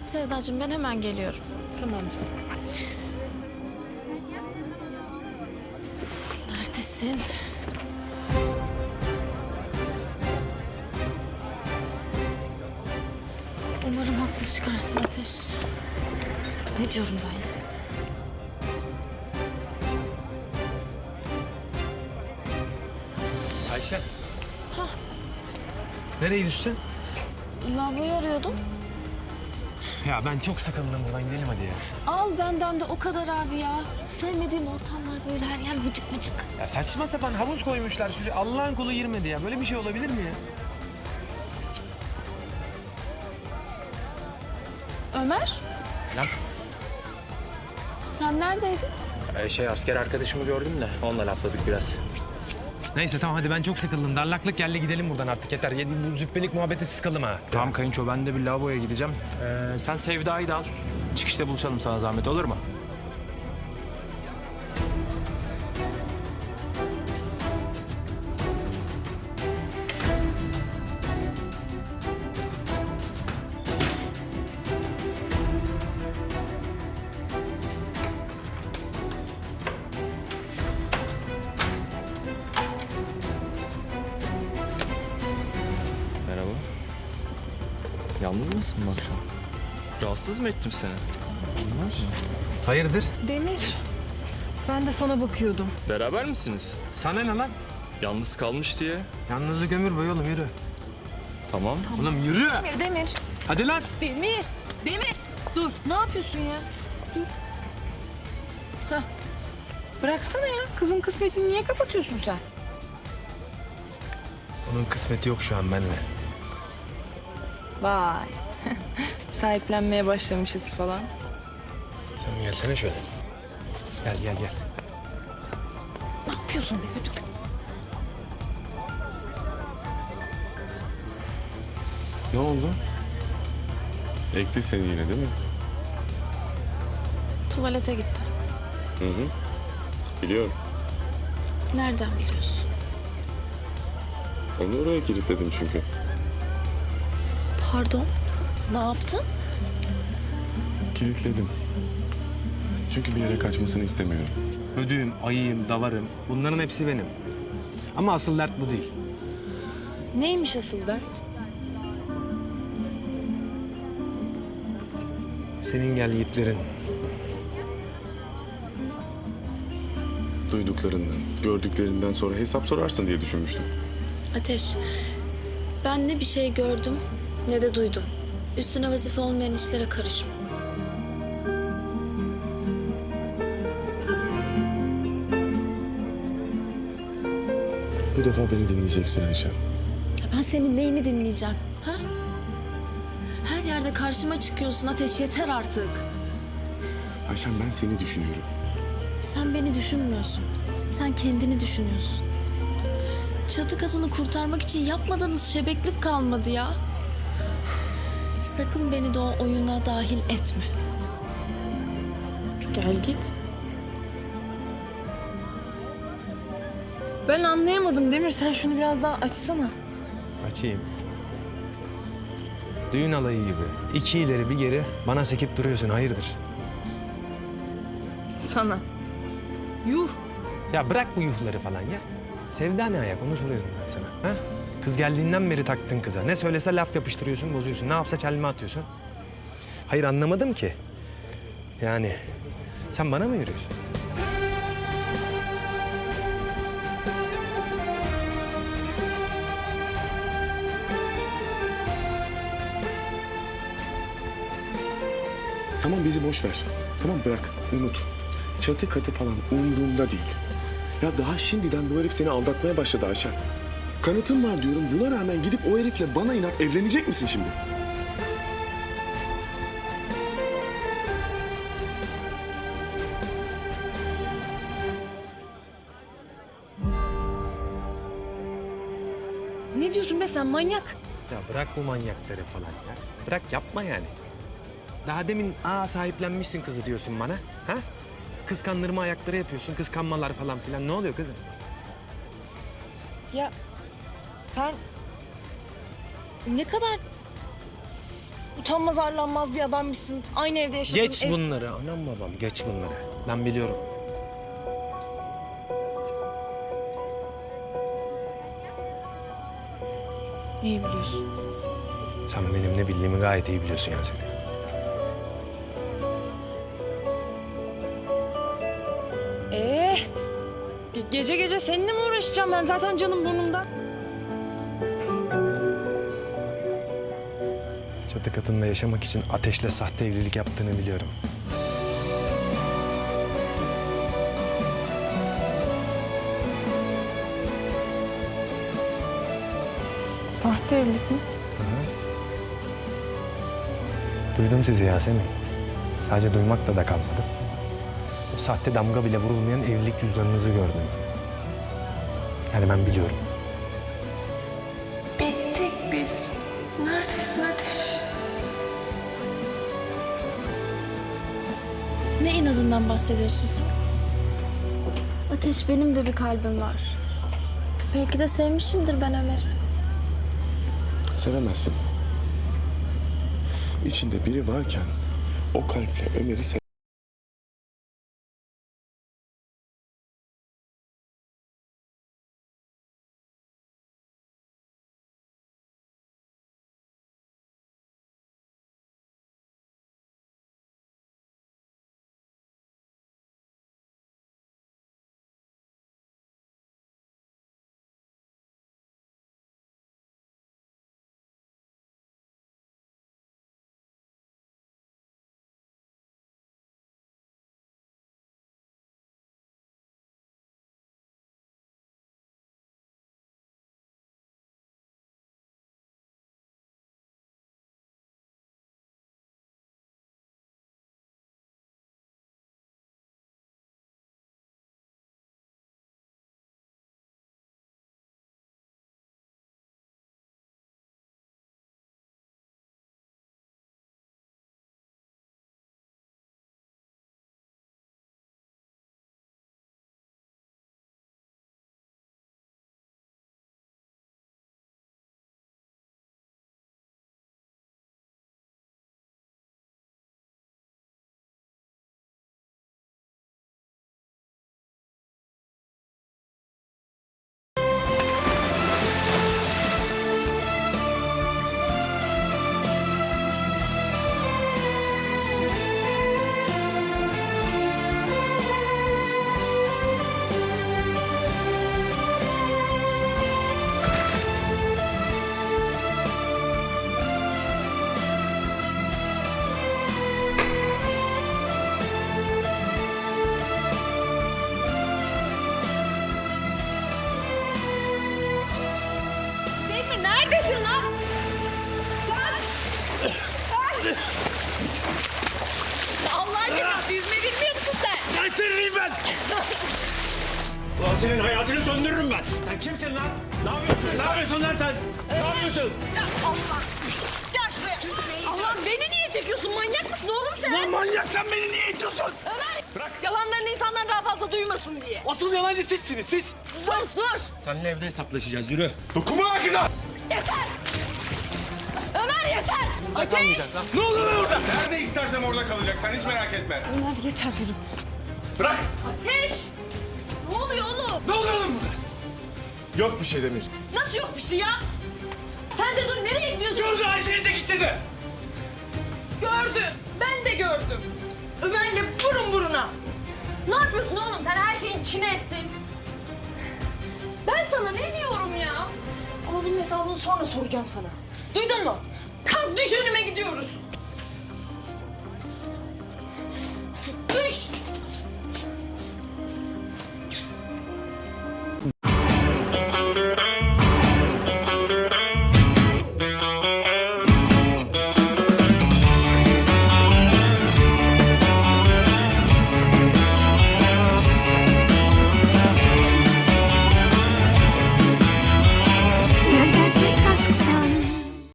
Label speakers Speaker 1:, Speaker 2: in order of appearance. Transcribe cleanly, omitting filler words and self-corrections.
Speaker 1: Sevdacığım ben hemen geliyorum.
Speaker 2: Tamam canım.
Speaker 1: Neredesin? Umarım haklı çıkarsın Ateş. Ne diyorum ben ya?
Speaker 3: Ayşe.
Speaker 1: Hah.
Speaker 3: Nereye gidiyorsun
Speaker 1: Lavaboyu arıyordum.
Speaker 3: sen? Ya ben çok sıkıldım buradan, gidelim hadi ya.
Speaker 1: Al benden de o kadar abi ya. Hiç sevmediğim ortamlar böyle her yer vıcık vıcık.
Speaker 3: Ya saçma sapan havuz koymuşlar şuraya. Allah'ın kulu girmedi ya. Böyle bir şey olabilir mi ya?
Speaker 1: Ömer,
Speaker 3: Lan.
Speaker 1: sen neredeydin?
Speaker 4: Asker arkadaşımı gördüm de onunla lafladık biraz.
Speaker 3: Neyse tamam hadi ben çok sıkıldım. Darlaklık geldi, gidelim buradan artık yeter. Bu züppelik muhabbeti sıkıldım ha.
Speaker 4: Tamam kayınço, ben de bir lavaboya gideceğim. Sen Sevda'yı da al. Çıkışta buluşalım, sana zahmet olur mu?
Speaker 5: Merhaba. Yalnız mısın bu akşam? Rahatsız mı ettim seni?
Speaker 3: Hayırdır?
Speaker 2: Demir, ben de sana bakıyordum.
Speaker 5: Beraber misiniz?
Speaker 3: Sana ne lan?
Speaker 5: Yalnız kalmış diye.
Speaker 3: Yalnızlık ömür boyu oğlum, yürü.
Speaker 5: Tamam.
Speaker 3: Oğlum yürü.
Speaker 2: Demir.
Speaker 3: Hadi lan.
Speaker 2: Demir. Demir. Dur, ne yapıyorsun ya? Dur. Hah. Bıraksana ya. Kızın kısmetini niye kapatıyorsun sen?
Speaker 3: Onun kısmeti yok şu an benimle.
Speaker 2: Vay. Sahiplenmeye başlamışız falan.
Speaker 3: Sen gelsene şöyle. Gel.
Speaker 2: Ne yapıyorsun be? Hadi.
Speaker 6: Ne oldu? Ekti seni yine değil mi?
Speaker 1: Tuvalete gitti.
Speaker 6: Hı hı. Biliyorum.
Speaker 1: Nereden biliyorsun?
Speaker 6: Onu oraya kilitledim çünkü.
Speaker 1: Pardon, ne yaptın?
Speaker 6: Kilitledim. Çünkü bir yere kaçmasını istemiyorum.
Speaker 3: Ödüğüm, ayıyım, davarım. Bunların hepsi benim. Ama asıl dert bu değil.
Speaker 2: Neymiş asıl dert?
Speaker 3: Senin gel yiğitlerin.
Speaker 6: Duyduklarından, gördüklerinden sonra hesap sorarsın diye düşünmüştüm.
Speaker 1: Ateş, ben ne bir şey gördüm ne de duydum. Üstüne vazife olmayan işlere karışma.
Speaker 6: Bu defa beni dinleyeceksin Ayşe.
Speaker 1: Ya ben senin neyini dinleyeceğim, ha? Her yerde karşıma çıkıyorsun Ateş, yeter artık.
Speaker 6: Ayşem, ben seni düşünüyorum.
Speaker 1: Sen beni düşünmüyorsun. Sen kendini düşünüyorsun. Çatı katını kurtarmak için yapmadığınız şebeklik kalmadı ya. Sakın beni de o oyuna dahil etme.
Speaker 2: Gel git. Ben anlayamadım Demir. Sen şunu biraz daha açsana.
Speaker 3: Açayım. Düğün alayı gibi. İki ileri bir geri bana sekip duruyorsun. Hayırdır?
Speaker 2: Sana. Yuh.
Speaker 3: Ya bırak bu yuhları falan ya. Sevda ne ayak, onu soruyorum ben sana. Ha? Kız geldiğinden beri taktın kıza. Ne söylese laf yapıştırıyorsun, bozuyorsun. Ne yapsa çelme atıyorsun. Hayır anlamadım ki. Yani sen bana mı yürüyorsun?
Speaker 6: Tamam, bizi boş ver. Tamam, bırak, unut. Çatı katı falan umurumda değil. Ya daha şimdiden bu herif seni aldatmaya başladı Ayşe. Kanıtım var diyorum. Buna rağmen gidip o herifle bana inat evlenecek misin şimdi?
Speaker 2: Ne diyorsun be sen manyak?
Speaker 3: Ya bırak bu manyakları falan ya. Bırak, yapma yani. Daha demin sahiplenmişsin kızı diyorsun bana. Ha? Kıskandırma ayakları yapıyorsun, kıskanmalar falan filan. Ne oluyor kızım?
Speaker 2: Ya sen ne kadar utanmaz arlanmaz bir adammışsın. Aynı evde yaşadığın
Speaker 3: Geç bunları anam babam, geç bunları. Ben biliyorum.
Speaker 2: Neyi biliyorsun?
Speaker 3: Sen benim ne bildiğimi gayet iyi biliyorsun Yasemin.
Speaker 2: Gece gece seninle mi uğraşacağım? Ben zaten canım burnumda.
Speaker 3: Çatı katında yaşamak için Ateş'le sahte evlilik yaptığını biliyorum.
Speaker 2: Sahte evlilik mi?
Speaker 3: Duydum sizi Yasemin. Sadece duymakla da kalmadı. O sahte damga bile vurulmayan evlilik cüzdanınızı gördüm. Yani ben biliyorum.
Speaker 2: Bittik biz. Neredesin Ateş?
Speaker 1: Ne inadından bahsediyorsun sen? Ateş, benim de bir kalbim var. Belki de sevmişimdir ben Ömer'i.
Speaker 6: Sevemezsin. İçinde biri varken o kalple Ömer'i
Speaker 2: Neredesin lan? Allah aşkına yüzme bilmiyor musun sen?
Speaker 7: Kaçırırım ben! Ulan senin hayatını söndürürüm ben. Sen kimsin lan? Ne yapıyorsun? Ne yapıyorsun lan sen? Ne yapıyorsun?
Speaker 2: Ya Allah! Gel şuraya! Allah beni niye çekiyorsun? Manyak mısın oğlum sen?
Speaker 7: Lan manyak sen beni niye itiyorsun?
Speaker 2: Ömer! Bırak! Yalanlarını insanlar daha fazla duymasın diye.
Speaker 7: Asıl yalancı sizsiniz siz.
Speaker 2: Dur!
Speaker 7: Seninle evde hesaplaşacağız yürü. Dokunma lan kıza!
Speaker 2: Yeter! Ömer yeter! Ateş!
Speaker 7: Ne oluyor lan orada? Nerede istersem orada kalacak sen hiç merak etme.
Speaker 2: Ömer yeter yürü.
Speaker 7: Bırak!
Speaker 2: Ateş! Ne oluyor oğlum?
Speaker 7: Ne oluyor lan burada? Yok bir şey Demir.
Speaker 2: Nasıl yok bir şey ya? Sen de dur nereye gidiyorsun?
Speaker 7: Gördü Ayşe'yi çekiştirdi.
Speaker 2: Gördüm. Ben de gördüm. Ömer'le burun buruna. Ne yapıyorsun oğlum? Sen her şeyin içine ettin. Ben sana ne diyorum ya? Ama bunun hesabını sonra soracağım sana. Duydun mu? Kalk düş önüme gidiyoruz.